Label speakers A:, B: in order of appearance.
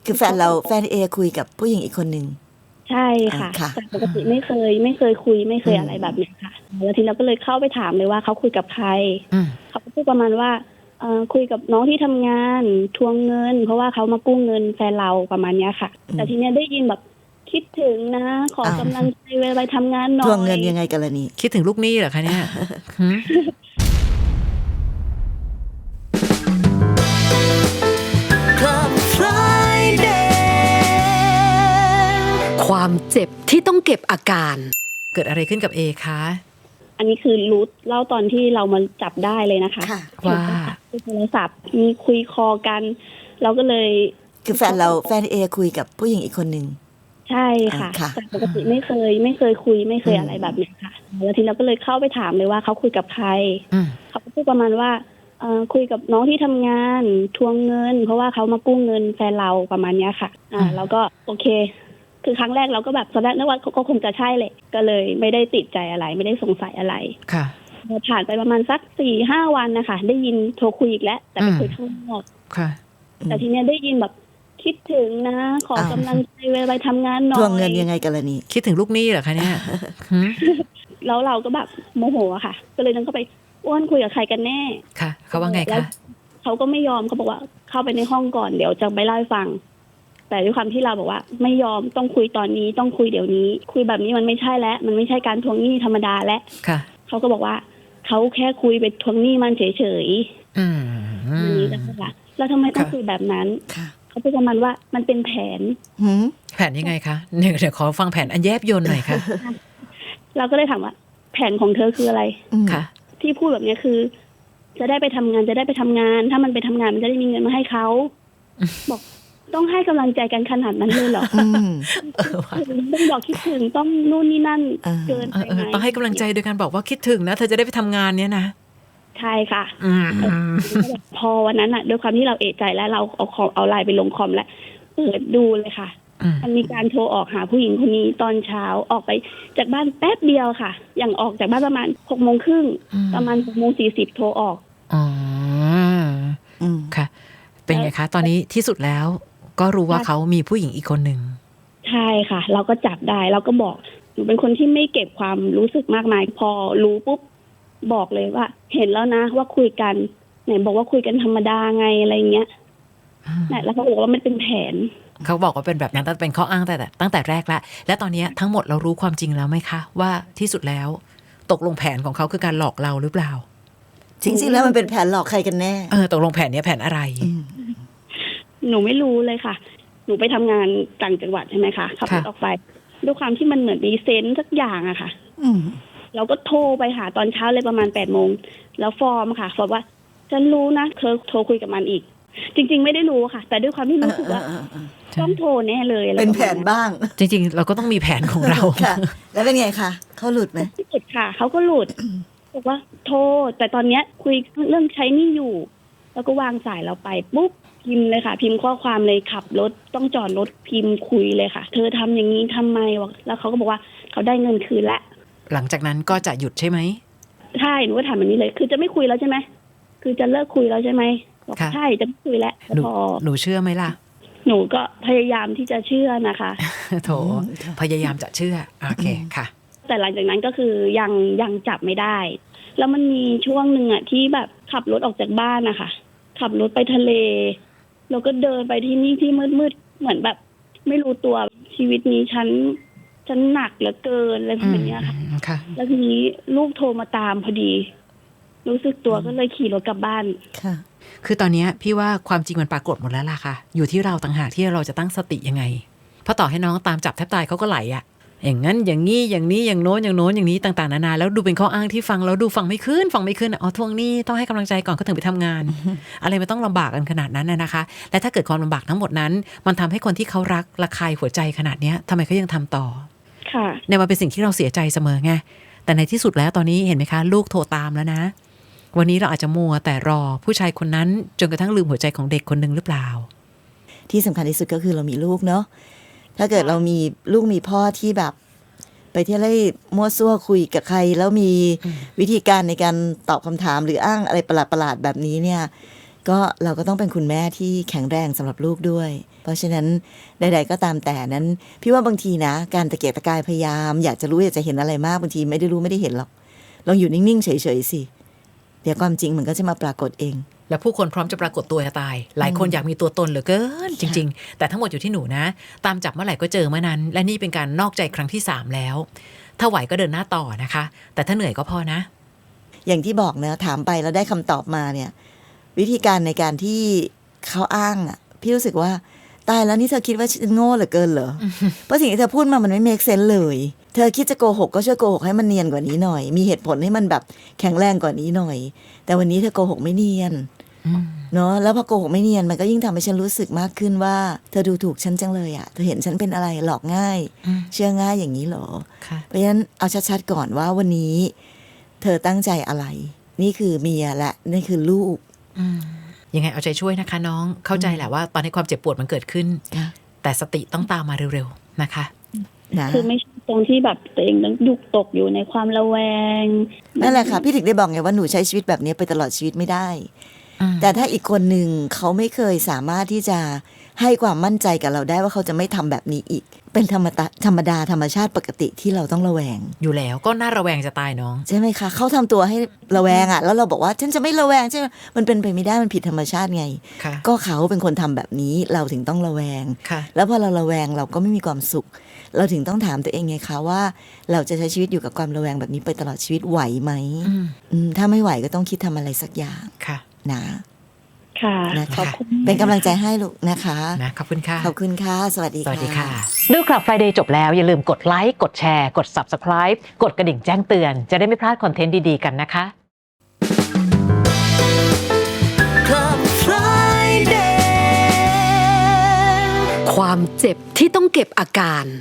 A: คือแฟนเอคุยกับผู้หญิงอีกคนหนึ่ง
B: ใช่ค่ะ
A: ค่ะ
B: แต่ปกติไม่เคยคุยไม่เคยอะไรแบบนี้ค่ะแล้วทีนี้ก็เลยเข้าไปถามเลยว่าเขาคุยกับใครเขาก็พูดประมาณว่าคุยกับน้องที่ทำงานทวงเงินเพราะว่าเขามากู้เงินแฟนเราประมาณนี้ค่ะแต่ทีนี้ได้ยินแบบคิดถึงนะขอกำลังใจไปทำงานหน่อย
A: ทวงเงินยังไงกันล่ะนี่
C: คิดถึงลูกหนี้เหรอคะเนี่ย
D: ความเจ็บที่ต้องเก็บอาการ
C: เกิดอะไรขึ้นกับเอคะ
B: อันนี้คือรู้เล่าตอนที่เรามาจับได้เลยนะคะ
C: ว่า
B: โทรศัพท์มีคุยคอกันเราก็เลย
A: คือแฟนเอคุยกับผู้หญิงอีกคนหนึ่ง
B: ใช่ค่ะแต่ปกติไม่เคยคุยไม่เคยอะไรแบบนี้ค่ะแล้วทีนี้ก็เลยเข้าไปถามเลยว่าเขาคุยกับใครเขาก็พูดประมาณว่าคุยกับน้องที่ทำงานทวงเงินเพราะว่าเขามากู้เงินแฟนเราประมาณนี้ค่ะแล้วก็โอเคคือครั้งแรกเราก็แบบตอนแรกนึกว่าก็คงจะใช่เลยก็เลยไม่ได้ติดใจอะไรไม่ได้สงสัยอะไร
C: ค่ะ
B: ผ่านไปประมาณสัก 4-5 วันนะคะได้ยินโทรคุยอีกแล้วแต่ไปคุยข้างนอก
C: ค่ะ
B: แต่ทีเนี้ยได้ยินแบบคิดถึงนะขอกำลังใจไปทำงานหน่อย
A: ทวงเงินยังไงกันล่ะนี่
C: คิดถึงลูกหนี้เหรอคะเนี่ย
B: แล้วเราก็แบบโมโหอะค่ะก็เลยนั่งเข้าไปอ้วนคุยกับใครกันแน่
C: ค่ะเขาว่าไงคะ
B: เขาก็ไม่ยอมเขาบอกว่าเข้าไปในห้องก่อนเดี๋ยวจะไปเล่าให้ฟังแต่ด้วยความที่เราบอกว่าไม่ยอมต้องคุยตอนนี้ต้องคุยเดี๋ยวนี้คุยแบบนี้มันไม่ใช่แล้วมันไม่ใช่การทวงหนี้ธรรมดาแล้วเขาก็บอกว่าเขาแค่คุยไปทวงหนี้มันเฉยๆอันนี้นะคะแล้วทำไมต้องคุยแบบนั้นเขาพูดประมาณว่ามันเป็นแผน
C: ยังไงคะเดี๋ยวขอฟังแผนอันแยบยลหน่อยค่ะ
B: เราก็เลยถามว่าแผนของเธอคืออะไร
C: ค่ะ
B: ที่พูดแบบนี้คือจะได้ไปทำงานถ้ามันไปทำงานมันจะได้มีเงินมาให้เขาบอกต้องให้กำลังใจกันขนาดนั้นเลยเหรอต้องบอกคิดถึงต้องนู่นนี่นั่นเกินไปไหม
C: ต้องให้กำลังใจโดยการบอกว่าคิดถึงนะเธอจะได้ไปทำงานเนี้ยนะ
B: ใช่ค่ะพอวันนั้นอ่ะด้วยความที่เราเอะใจแล้วเราเอาไลน์ไปลงคอมแล้วเปิดดูเลยค่ะมันมีการโทรออกหาผู้หญิงคนนี้ตอนเช้าออกไปจากบ้านแป๊บเดียวค่ะอย่างออกจากบ้านประมาณ 6:30 ประมาณ 6:40 โทรออก
C: ค่ะเป็นไงคะตอนนี้ที่สุดแล้วก็รู้ว่าเขามีผู้หญิงอีกคนหนึ่ง
B: ใช่ค่ะเราก็จับได้เราก็บอกหนูเป็นคนที่ไม่เก็บความรู้สึกมากมายพอรู้ปุ๊บบอกเลยว่าเห็นแล้วนะว่าคุยกันไหนบอกว่าคุยกันธรรมดาไงอะไรเงี้ยแล้วเขาบอกว่ามันเป็นแผน
C: เขาบอกว่าเป็นแบบนั้นแต่เป็นข้ออ้างแต่ตั้งแต่แรกละและตอนนี้ทั้งหมดเรารู้ความจริงแล้วไหมคะว่าที่สุดแล้วตกลงแผนของเขาคือการหลอกเราหรือเปล่า
A: จริงๆแล้วมันเป็นแผนหลอกใครกันแน่
C: ตกลงแผนนี้แผนอะไร
B: หนูไม่รู้เลยค่ะหนูไปทำงานต่างจังหวัดใช่ไหมคะขับรถออกไปด้วยความที่มันเหมือนมีเซนส์สักอย่างอะค่ะเราก็โทรไปหาตอนเช้าเลยประมาณ 8:00 นแล้วฟอร์มค่ะบอกว่าฉันรู้นะเธอโทรคุยกับมันอีกจริงๆไม่ได้รู้ค่ะแต่ด้วยความที่รู้สึกว่าต้องโทรแน่เลย
A: เป็นแผนบ้าง
C: จริงๆเราก็ต้องมีแผนของเรา
A: ค่ะแล้วเป็นไงคะเขาหลุดไหม
B: หลุดค่ะเขาก็หลุดบอกว่าโทรแต่ตอนเนี้ยคุยเรื่องใช้หนี้อยู่แล้วก็วางสายเราไปปุ๊บพิมพ์เลยค่ะพิมพ์ข้อความเลยขับรถต้องจอดรถพิมพ์คุยเลยค่ะเธอทำอย่างนี้ทำไมวะแล้วเขาก็บอกว่าเขาได้เงินคืนแล้ว
C: หลังจากนั้นก็จะหยุดใช่ไหม
B: ใช่หนูก็ถามแบบนี้เลยคือจะไม่คุยแล้วใช่ไหมคือจะเลิกคุยแล้วใช่ไหมบอกใช่จะไม่คุยแล้วพอ
C: หนูเชื่อไหมล่ะ
B: หนูก็พยายามที่จะเชื่อนะคะ
C: โถพยายามจะเชื่อโอเคค่ะ
B: แต่หลังจากนั้นก็คือยังจับไม่ได้แล้วมันมีช่วงหนึ่งอ่ะที่แบบขับรถออกจากบ้านนะคะขับรถไปทะเลแล้วก็เดินไปที่นี่ที่มืดๆเหมือนแบบไม่รู้ตัวชีวิตนี้ฉันหนักเหลือเกินอะไรแบบนี้ค่ะแล้วทีนี้ลูกโทรมาตามพอดีรู้สึกตัวก็เลยขี่รถกลับบ้าน
A: ค่ะ
C: คือตอนนี้พี่ว่าความจริงมันปรากฏหมดแล้วล่ะค่ะอยู่ที่เราต่างหากที่เราจะตั้งสติยังไงเพราะต่อให้น้องตามจับแทบตายเขาก็ไหลอะอย่างนั้นอย่างนี้อย่างนี้อย่างโน้นอย่างโน้นอย่างนี้ต่างๆนานาแล้วดูเป็นข้ออ้างที่ฟังแล้วดูฟังไม่ขึ้นอ๋อทวงหนี้ต้องให้กำลังใจก่อนก็ถึงไปทำงาน อะไรมันต้องลำบากกันขนาดนั้นนะคะและถ้าเกิดความลำบากทั้งหมดนั้นมันทำให้คนที่เขารักระคายหัวใจขนาดนี้ทำไมเขายังทำต่อเนี่ยมันเป็นสิ่งที่เราเสียใจเสมอไงแต่ในที่สุดแล้วตอนนี้เห็นไหมคะลูกโทรตามแล้วนะวันนี้เราอาจจะมัวแต่รอผู้ชายคนนั้นจนกระทั่งลืมหัวใจของเด็กคนหนึ่งหรือเปล่า
A: ที่สำคัญที่สุดก็คือเรามีลูกเนาะถ้าเกิดเรามีลูกมีพ่อที่แบบไปเที่ยวไล่มั่วซั่วคุยกับใครแล้วมีวิธีการในการตอบคำถามหรืออ้างอะไรประหลาดๆแบบนี้เนี่ยก็เราก็ต้องเป็นคุณแม่ที่แข็งแรงสำหรับลูกด้วยเพราะฉะนั้นใดๆก็ตามแต่นั้นพี่ว่าบางทีนะการตะเกียกตะกายพยายามอยากจะรู้อยากจะเห็นอะไรมากบางทีไม่ได้รู้ไม่ได้เห็นหรอกลองอยู่นิ่งๆเฉยๆสิเดี๋ยวความจริงมันก็จะมาปรากฏเอง
C: แล้วผู้คนพร้อมจะปรากฏตัวจะตายหลายคนอยากมีตัวตนเหลือเกินจริงๆแต่ทั้งหมดอยู่ที่หนูนะตามจับเมื่อไหร่ก็เจอเมื่อนั้นและนี่เป็นการนอกใจครั้งที่3แล้วถ้าไหวก็เดินหน้าต่อนะคะแต่ถ้าเหนื่อยก็พอนะ
A: อย่างที่บอกนะถามไปแล้วได้คำตอบมาเนี่ยวิธีการในการที่เขาอ้างอ่ะพี่รู้สึกว่าตายแล้วนี่เธอคิดว่าฉันโง่เหลือเกินเหรอ เพราะสิ่งที่เธอพูดมามันไม่เมคเซนส์เลยเธอคิดจะโกหกก็ช่วยโกหกให้มันเนียนกว่านี้หน่อยมีเหตุผลให้มันแบบแข็งแรงกว่านี้หน่อยแต่วันนี้เธอโกหกไม่เนียนเนาะแล้วพอโกหกไม่เนียนมันก็ยิ่งทำให้ฉันรู้สึกมากขึ้นว่าเธอดูถูกฉันจังเลยอ่ะเธอเห็นฉันเป็นอะไรหลอกง่ายเชื่อง่ายอย่างนี้เหรอเพราะฉะนั้นเอาชัดๆก่อนว่าวันนี้เธอตั้งใจอะไรนี่คือเมียและนี่คือลูก
C: ยังไงเอาใจช่วยนะคะน้องเข้าใจแหละว่าตอนนี้ความเจ็บปวดมันเกิดขึ้นแต่สติต้องตามมาเร็วๆนะคะ
B: คือไม่ใช่ตรงที่แบบตัวเองต้องยุกตกอยู่ในความระแวง
A: นั่นแหละค่ะพี่ถึงได้บอกไงว่าหนูใช้ชีวิตแบบนี้ไปตลอดชีวิตไม่ได้แต่ถ้าอีกคนหนึ่งเขาไม่เคยสามารถที่จะให้ความมั่นใจกับเราได้ว่าเขาจะไม่ทำแบบนี้อีกเป็นธรรมดาธรรมชาติปกติที่เราต้องระแวง
C: อยู่แล้วก็น่าระแวงจะตายน้อง
A: ใช่ไหมคะเขาทำตัวให้ระแวงอ่ะแล้วเราบอกว่าฉันจะไม่ระแวงใช่ไหมมันเป็นไปไม่ได้มันผิดธรรมชาติไงก็เขาเป็นคนทำแบบนี้เราถึงต้องระแวงแล้วพอเราระแวงเราก็ไม่มีความสุขเราถึงต้องถามตัวเองไงคะว่าเราจะใช้ชีวิตอยู่กับความระแวงแบบนี้ไปตลอดชีวิตไหวไหมถ้าไม่ไหวก็ต้องคิดทำอะไรสักอย่างนะ
B: ค่ะ
A: นะคะเป็นกำลังใจให้ลูกนะคะ
C: นะขอบคุณค่ะ
A: ขอบคุณค่ะสวัสดีค่ะ
C: ดูคลับ Friday จบแล้วอย่าลืมกดไลค์กดแชร์กด Subscribe กดกระดิ่งแจ้งเตือนจะได้ไม่พลาดคอนเทนต์ดีๆกันนะคะ
A: Club Friday
D: ความเจ็บที่ต้องเก็บอาการ